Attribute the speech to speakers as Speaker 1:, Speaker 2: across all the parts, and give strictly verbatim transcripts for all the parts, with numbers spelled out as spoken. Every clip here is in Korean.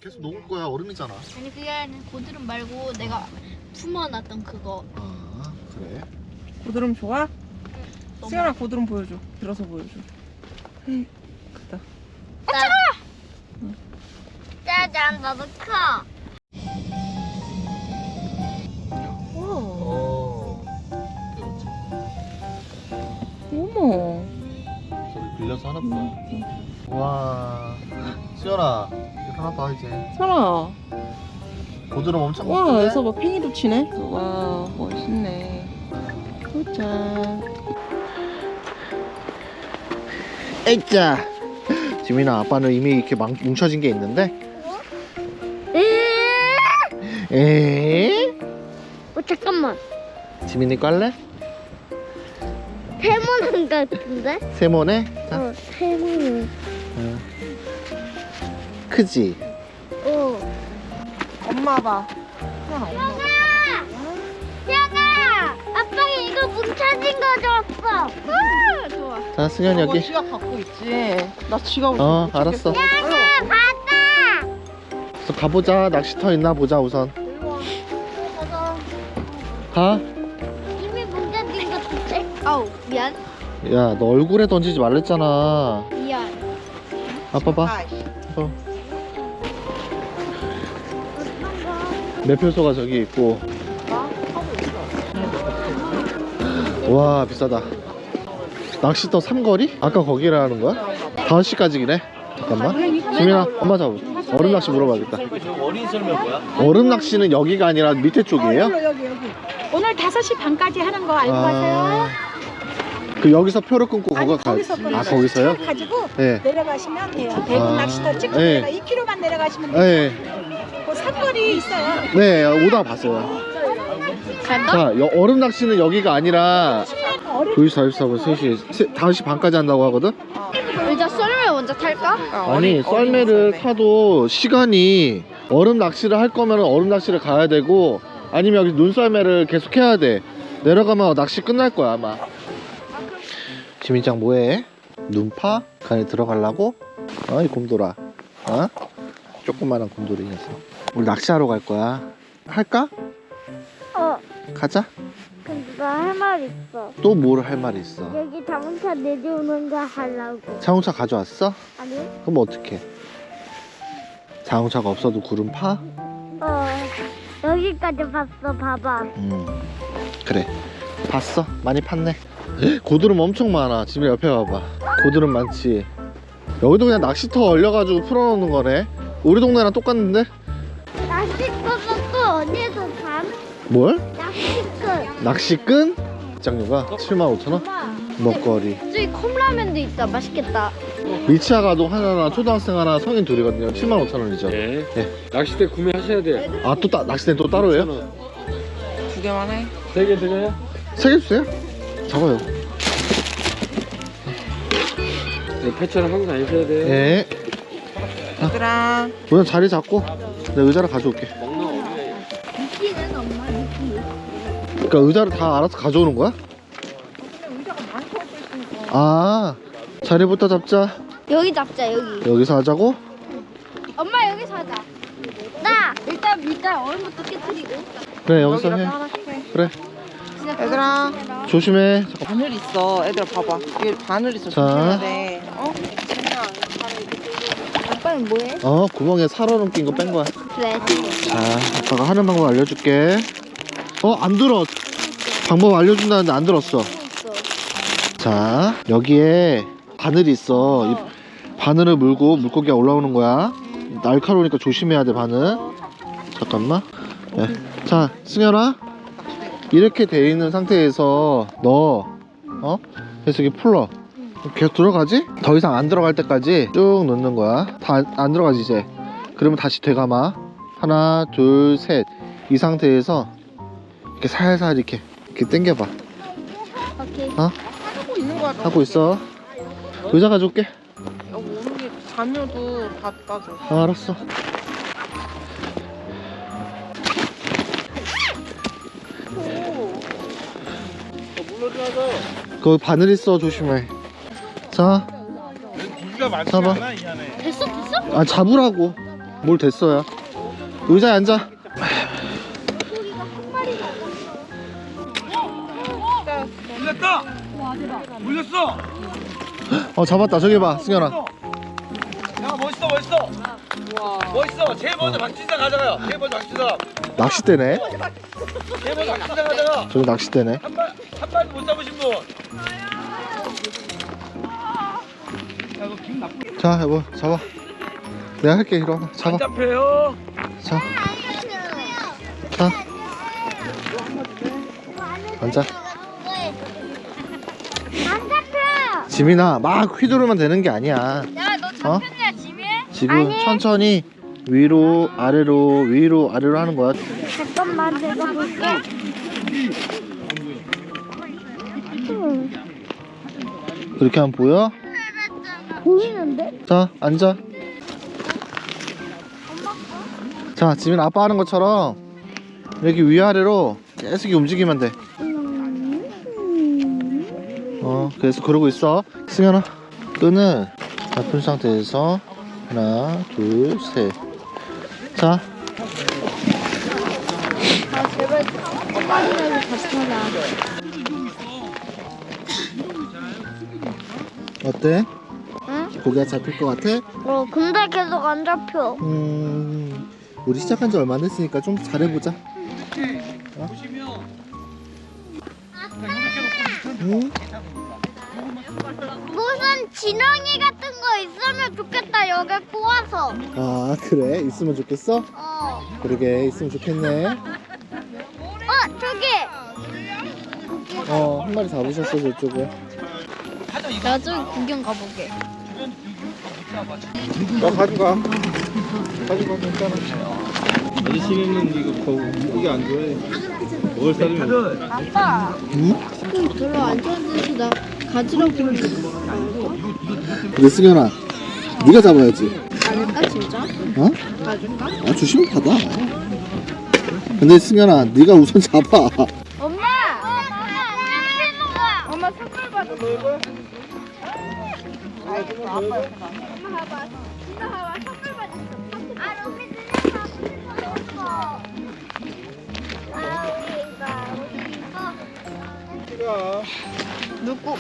Speaker 1: 계속 녹을 거야. 얼음이잖아.
Speaker 2: 아니 그게 아니라 고드름 말고 내가 품어놨던 그거.
Speaker 1: 아 그래?
Speaker 3: 고드름 좋아?
Speaker 2: 너무-
Speaker 3: 수연아 고드름 보여줘. 들어서 보여줘. 헤이, 크다.
Speaker 2: 짜잔 나도 커.
Speaker 1: 어.
Speaker 3: 어머.
Speaker 1: 저기 빌려서 하나 보다. 와. 수연아 이거 하나 봐 이제.
Speaker 3: 설아.
Speaker 1: 고드름 엄청
Speaker 3: 와,
Speaker 1: 크네?
Speaker 3: 여기서 막 팽이도 치네. 와, 멋있네. 굿자.
Speaker 1: 에이짜. 지민아 아빠는 이미 이렇게 막 뭉쳐진 게 있는데. 에?
Speaker 2: 어 잠깐만.
Speaker 1: 지민이 깔래?
Speaker 2: 세모난 같은데?
Speaker 1: 세모네? 자.
Speaker 2: 어 세모.
Speaker 1: 어. 크지?
Speaker 2: 어.
Speaker 3: 엄마 봐. 수연아, 엄마 봐.
Speaker 2: 야가 아빠가 이거 뭉쳐진 거 줬어. 아, 좋아.
Speaker 1: 자 승현
Speaker 3: 저거
Speaker 1: 여기.
Speaker 3: 지갑 갖고 있지. 나 지갑을
Speaker 1: 어,
Speaker 3: 못 찾겠어.
Speaker 1: 알았어.
Speaker 3: 아유,
Speaker 2: 봤다.
Speaker 1: 그래서 가보자. 낚시터 있나 보자 우선.
Speaker 2: 가자.
Speaker 1: 가.
Speaker 2: 이미 뭉쳐진 거 같은데? 아우 미안.
Speaker 1: 야 너 얼굴에 던지지 말랬잖아.
Speaker 2: 미안.
Speaker 1: 아빠 봐.
Speaker 3: 아이씨.
Speaker 1: 어. 매표소가 저기 있고.
Speaker 3: 나 하고 있어.
Speaker 1: 와 비싸다. 낚시터 삼거리? 아까 거기라는 거야? 다섯 시까지기네. 잠깐만. 지민아 엄마 잡아. 얼음 낚시 물어봐야겠다.
Speaker 4: 어린 설명 뭐야?
Speaker 1: 얼음 낚시는 여기가 아니라 밑에 쪽이에요?
Speaker 3: 여기 여기 여기.
Speaker 5: 오늘 다섯 시 반까지 하는 거 알고 가세요?
Speaker 1: 그 여기서 표를 끊고
Speaker 5: 아니,
Speaker 1: 거기 가.
Speaker 5: 거기서 끊어요.
Speaker 1: 아 거기서요?
Speaker 5: 차 가지고
Speaker 1: 네.
Speaker 5: 내려가시면 돼요. 대구
Speaker 1: 아,
Speaker 5: 낚시터 찍고
Speaker 1: 네.
Speaker 5: 내가 이 킬로미터만 내려가시면 돼요.
Speaker 1: 네.
Speaker 5: 그 산거리 있어요.
Speaker 1: 네 오다가 봤어요. 자 여, 얼음 낚시는 여기가 아니라 두 시 사십사 분 세 시 다섯 시 반까지 한다고 하거든?
Speaker 2: 의자 썰매 먼저 탈까?
Speaker 1: 아니 썰매를 타도 시간이 얼음 낚시를 할 거면 얼음 낚시를 가야 되고 아니면 여기 눈썰매를 계속 해야 돼. 내려가면 낚시 끝날 거야 아마. 지민짱 뭐해? 눈파? 간에 들어가려고? 어이 곰돌아. 어? 조그만한 곰돌이 녀석. 우리 낚시하러 갈 거야. 할까?
Speaker 2: 어.
Speaker 1: 가자.
Speaker 2: 근데 나 할 말 있어.
Speaker 1: 또 뭘 할 말이 있어?
Speaker 2: 여기 자동차 내려오는 거 하려고.
Speaker 1: 자동차 가져왔어?
Speaker 2: 아니?
Speaker 1: 그럼 어떡해? 자동차가 없어도 구름 파?
Speaker 2: 어. 여기까지 봤어. 봐봐.
Speaker 1: 음 그래 봤어? 많이 팠네. 고드름 엄청 많아. 지금 옆에 봐봐. 고드름 많지. 여기도 그냥 낚시터 얼려가지고 풀어놓는 거네. 우리 동네랑 똑같은데?
Speaker 2: 낚시꾼은 또 어디에서 산?
Speaker 1: 뭘?
Speaker 2: 낚시꾼.
Speaker 1: 낚시끈? 입장료가 칠만 오천 원?
Speaker 2: 엄마.
Speaker 1: 먹거리.
Speaker 2: 저기 컵라면도 있다. 맛있겠다.
Speaker 1: 미치아 가족 하나나 초등학생 하나 성인 둘이거든요. 칠만 오천 원이죠.
Speaker 4: 네.
Speaker 1: 네.
Speaker 4: 낚싯대 구매하셔야 돼요.
Speaker 1: 아 또 낚시대는 또 따로예요?
Speaker 3: 두 개만 해.
Speaker 4: 세 개 드려요?
Speaker 1: 세 개 주세요. 잡아요.
Speaker 4: 네, 패처는 하고 다니셔야 돼요.
Speaker 1: 네.
Speaker 3: 얘들아.
Speaker 1: 우선 자리 잡고 내가 의자를 가져올게.
Speaker 4: 먹는 거 어디에?
Speaker 2: 미끼는 엄마 미끼.
Speaker 1: 그러니까 의자를 다 알아서 가져오는 거야?
Speaker 3: 의자가 많이 서 있으니까.
Speaker 1: 아 자리부터 잡자.
Speaker 2: 여기 잡자 여기.
Speaker 1: 여기서 하자고?
Speaker 2: 엄마 여기서 하자. 나 일단 일단 얼음부터 깨뜨리고.
Speaker 1: 그래 여기서
Speaker 3: 여기다
Speaker 1: 해.
Speaker 3: 하나 해.
Speaker 1: 그래
Speaker 3: 얘들아.
Speaker 1: 조심해. 잠깐.
Speaker 3: 바늘 있어. 애들아 봐봐. 이게 바늘 있어.
Speaker 1: 자.
Speaker 3: 조심해야 돼. 어?
Speaker 2: 아빠는 뭐해?
Speaker 1: 어 구멍에 살얼음 낀 거 뺀 거야.
Speaker 2: 그래.
Speaker 1: 자 아빠가 하는 방법 알려줄게. 어 안 들어. 방법 알려준다는데 안 들었어. 자 여기에 바늘이 있어. 이 바늘을 물고 물고기가 올라오는 거야. 날카로우니까 조심해야 돼 바늘. 잠깐만. 네. 자 승현아 이렇게 돼 있는 상태에서 너 어? 그래서 이렇게 풀러 계속 들어가지? 더 이상 안 들어갈 때까지 쭉 넣는 거야. 다 안 들어가지 이제. 그러면 다시 되감아. 하나 둘 셋 이 상태에서 이렇게 살살 이렇게 이렇게 당겨봐.
Speaker 2: 오케이.
Speaker 1: 어?
Speaker 3: 하고 있는 거야. 너.
Speaker 1: 하고 있어. 의자 가져올게.
Speaker 3: 여기 오는 게 자녀도 갖다 줘.
Speaker 1: 아, 알았어. 거기 바늘 있어 조심해. 자
Speaker 4: 고기가 많지
Speaker 1: 잡아.
Speaker 4: 않아 이 안에.
Speaker 2: 됐어 됐어?
Speaker 1: 아 잡으라고. 뭘 됐어요? 의자에 앉아.
Speaker 6: 물렸다! 물렸어!
Speaker 1: 어 잡았다. 저기 봐 승현아.
Speaker 6: 야 멋있어 멋있어! 멋있어! 제일 먼저 박진상 가져가요. 제일 먼저 박진상.
Speaker 1: 낚싯대네.
Speaker 6: 제일 먼저 박진상 가져가.
Speaker 1: 저기 낚싯대네.
Speaker 6: 한 발, 한 발도 못 잡으신 분. 야 이거 기분 나쁘.
Speaker 1: 자 여보 잡아. 내가 할게. 이리 와봐.
Speaker 6: 안
Speaker 1: 잡아.
Speaker 6: 잡혀요.
Speaker 1: 자. 자. 앉아.
Speaker 2: 안 잡혀.
Speaker 1: 지민아 막 휘두르면 되는 게 아니야.
Speaker 2: 야너
Speaker 1: 어?
Speaker 2: 잡혔냐 지민?
Speaker 1: 지금
Speaker 2: 아니.
Speaker 1: 천천히 위로 아래로 위로 아래로 하는 거야.
Speaker 2: 잠깐만 내가 볼게.
Speaker 1: 그렇게 하면 보여?
Speaker 2: 보이는데?
Speaker 1: 자 앉아. 자 지민 아빠 하는 것처럼 이렇게 위아래로 계속 움직이면 돼. 어 그래서 그러고 있어. 승현아 끈을 잡은 상태에서 하나 둘셋. 자
Speaker 2: 아 제발 한마디라도 잡혀라.
Speaker 1: 어때?
Speaker 2: 응?
Speaker 1: 고기가 잡힐 것 같아?
Speaker 2: 어 근데 계속 안 잡혀.
Speaker 1: 음 우리 시작한 지 얼마 안 됐으니까 좀 잘해보자. 어? 응?
Speaker 2: 무슨 지렁이 같은 거 있으면 좋겠다 여기 꼬아서.
Speaker 1: 아 그래? 있으면 좋겠어?
Speaker 2: 어.
Speaker 1: 그러게 있으면 좋겠네.
Speaker 2: 어 저기.
Speaker 1: 어 한 마리 잡으셨어 저쪽에.
Speaker 2: 나중에 구경 가보게.
Speaker 1: 나 가져가. 가져가 괜찮아.
Speaker 4: 아저씨는 이거 거고 이게 안 좋아해. 먹을 사람이
Speaker 2: 아빠.
Speaker 1: 응?
Speaker 2: 지금 별로 안 좋아져서 나 가지라고 그러는데.
Speaker 1: 근데 승현아 네가 잡아야지.
Speaker 2: 아닐까 진짜?
Speaker 1: 어?
Speaker 2: 가줄까?
Speaker 1: 아 주시면 받아. 근데 승현아 네가 우선 잡아.
Speaker 2: 엄마. 엄마. 엄마 선물 받았어. 아이고 아빠 엄마 봐봐. 엄마 봐봐 선물 받았어. 아 로미 누나 선물 받았어. 아 우리 이거 이거. 누구?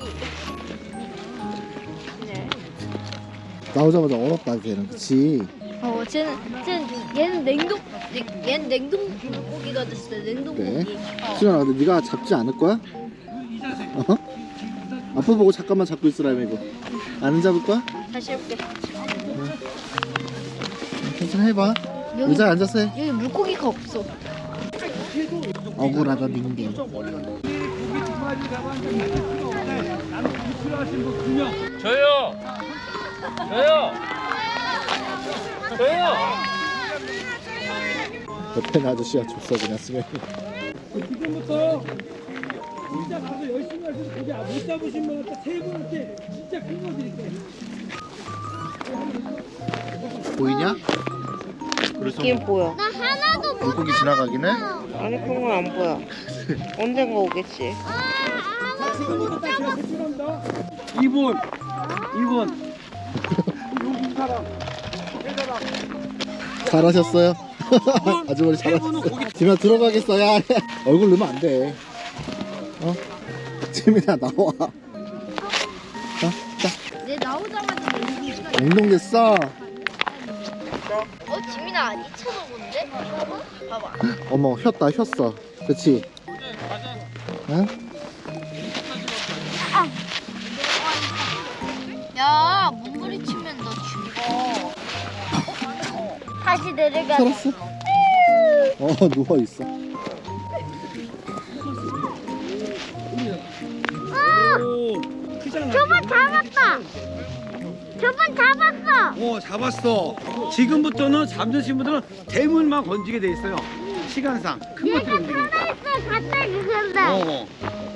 Speaker 1: 나오자마자 얼었다 걔는. 그치?
Speaker 2: 어, 쟤는, 쟤는 얘는 냉동, 얘- 얘는 냉동 고기가 됐어. 냉동
Speaker 1: 그래?
Speaker 2: 고기. 어.
Speaker 1: 승현아 근데 네가 잡지 않을 거야? 어? 아빠 보고 잠깐만 잡고 있으라며 이거. 안 잡을 거야?
Speaker 2: 다시 해볼게.
Speaker 1: 괜찮아 해봐.
Speaker 2: 여기,
Speaker 1: 의자에 앉아서 해.
Speaker 2: 여기 물고기가 없어.
Speaker 1: 억울하다 닝닝.
Speaker 6: 저요. 저요. 저요.
Speaker 1: 옆에 는 아저씨가 줬어 그냥 승현이.
Speaker 6: 지금부터 진짜 가서 열심히 하셔서 고기 못 잡으신 분한테 세 분한테 진짜 큰 거 드릴게요.
Speaker 1: 보이냐? 그래서
Speaker 3: 있긴 보여.
Speaker 2: 나 하나도 못
Speaker 1: 물고기 지나가긴 해?
Speaker 3: 아니 그런 건 안 보여. 언젠가 오겠지.
Speaker 6: 지금부터 딱 제가 제출합니다. 이 분, 이 분. 여기 사람. 세 사람.
Speaker 1: 잘하셨어요. 아주머니
Speaker 6: 세 분은
Speaker 1: 잘하셨어요.
Speaker 6: 고기.
Speaker 1: 지민아 들어가겠어. 야 얼굴 넣으면 안 돼. 어? 지민아 나와. 어? 자
Speaker 2: 내 나오자마자 냉동 시간.
Speaker 1: 냉동됐어.
Speaker 2: 어, 지민아, 안 잊혀먹었는데? 봐봐.
Speaker 1: 어머 휘었다 휘었어. 그치? 응?
Speaker 2: 야, 몸부리치면 너 죽어. 다시 내려가.
Speaker 1: 살았어? 어 누워있어.
Speaker 6: 오, 크잖아.
Speaker 2: 저번 잡았다. 저번 잡았어.
Speaker 6: 오, 잡았어. 지금부터는 잡으신 분들은 대물만 건지게 돼 있어요. 시간상. 큰
Speaker 2: 얘가
Speaker 6: 것들 움직이니까.
Speaker 2: 살아있어. 갑자기 근데.
Speaker 6: 어.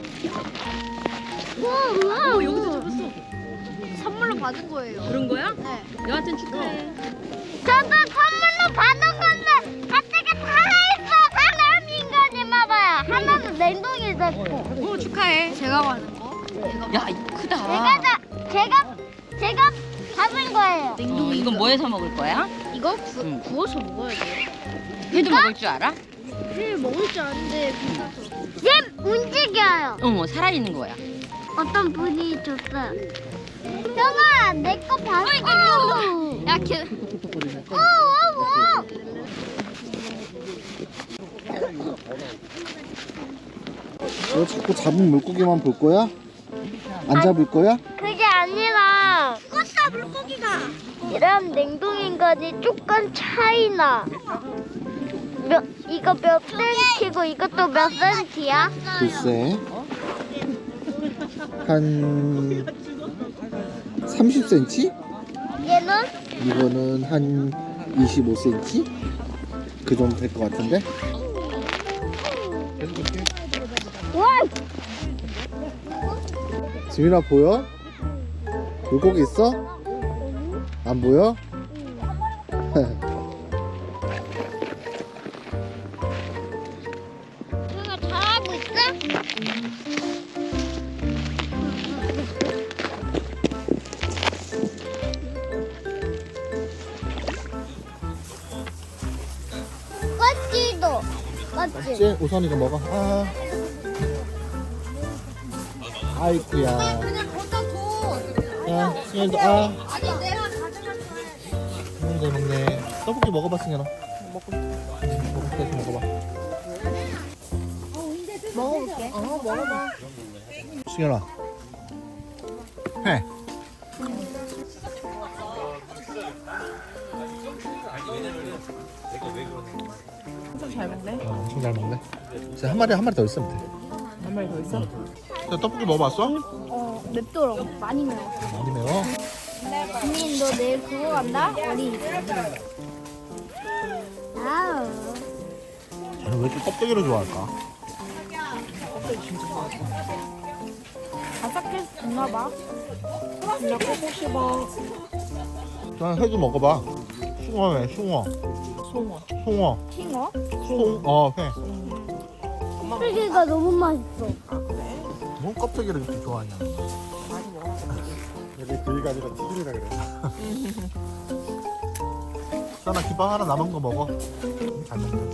Speaker 2: 우와, 우와. 여기서 잡았어. 선물로 받은 거예요.
Speaker 5: 그런 거야?
Speaker 2: 네.
Speaker 5: 여하튼 축하해.
Speaker 2: 저도 선물로 받은 건데 갑자기 살아있어. 사람 인간이나 봐요. 하나는 냉동이 됐고.
Speaker 5: 어, 축하해.
Speaker 2: 제가 받은 거. 제가
Speaker 5: 야, 이거 크다.
Speaker 2: 제가 자, 제가 제가 잡은 거예요.
Speaker 5: 어, 이건 뭐해서 먹을 거야?
Speaker 2: 이거 구,
Speaker 3: 응.
Speaker 2: 구워서 먹어야 돼.
Speaker 3: 회도 먹을 줄 알아?
Speaker 2: 회 먹을 줄 아는데 얘 움직여요.
Speaker 3: 어, 살아있는 거야.
Speaker 2: 어떤 분이 줬어요. 형아, 내 거 봤어. 야, 걔. 오, 오, 오.
Speaker 1: 너 자꾸 잡은 물고기만 볼 거야? 안 잡을 거야?
Speaker 2: 그게 아니라 껐다 물고기가. 이런 냉동 인간이 조금 차이나. 몇 이거 몇 센치고 이것도 몇 센치야?
Speaker 1: 글쎄 한 삼십 센티미터?
Speaker 2: 얘는
Speaker 1: 이거는 한 이십오 센티미터? 그 정도 될 것 같은데?
Speaker 2: 와,
Speaker 1: 지민아 보여? 물고기 있어? 안 보여?
Speaker 2: 형아 잘하고 있어? 껍질도 껍질.
Speaker 1: 이제 우선 이거 먹어. 아. 아이쿠야.
Speaker 2: 그냥 거기다 줘.
Speaker 1: 야, 승현이도 아.
Speaker 2: 아니 내가 가져갈 거야.
Speaker 1: 음, 잘 먹네. 떡볶이 먹어봐, 승현아. 먹고 싶어. 먹어봐, 먹어봐.
Speaker 2: 먹어볼게. 어, 먹어봐.
Speaker 1: 승현아. 해.
Speaker 3: 엄청 잘 먹네.
Speaker 1: 어, 엄청 잘 먹네. 이제 한 마리 한 마리 더 있으면 돼.
Speaker 3: 한 마리 더 있어?
Speaker 1: 야, 떡볶이 먹어봤어?
Speaker 2: 어, 맵더라고. 많이 매워.
Speaker 1: 많이 매워.
Speaker 2: 언니, 너 내일 그거 간다? 어디? 아우.
Speaker 1: 쟤는 왜 이렇게 껍데기를 좋아할까?
Speaker 5: 바삭해서 좋나 봐. 그냥 꼬고 씹어.
Speaker 1: 난 회도 먹어봐. 숭어회, 숭어.
Speaker 3: 송어.
Speaker 1: 송어.
Speaker 5: 킹어?
Speaker 1: 송, 어, 회.
Speaker 2: 껍데기가 너무 맛있어.
Speaker 1: 뭔 껍데기를 이렇게 좋아하냐?
Speaker 6: 여기 구이가 아니라 튀김이라 그래.
Speaker 1: 수아나 김밥 하나 남은 거 먹어. 잘 먹네.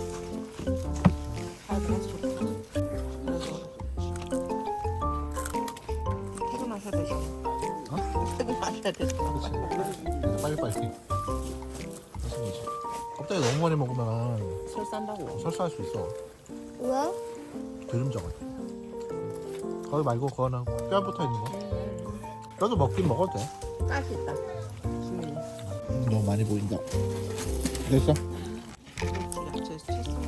Speaker 3: 퇴근하셔야 되죠.
Speaker 1: 어?
Speaker 3: 퇴근하셔야 되죠.
Speaker 1: 그렇지. 빨리빨리. 그렇지. 껍데기 너무 많이 먹으면
Speaker 3: 술 싼다고.
Speaker 1: 설사할 수 있어.
Speaker 2: 왜?
Speaker 1: 기름져가지고. 거기 말고 그거는 뼈 붙어 있는 거. 뼈도 먹긴 먹어도 돼.
Speaker 3: 가스 있다. 수민이.
Speaker 1: 음, 너무 많이 보인다. 됐어?
Speaker 3: 야채 치즈.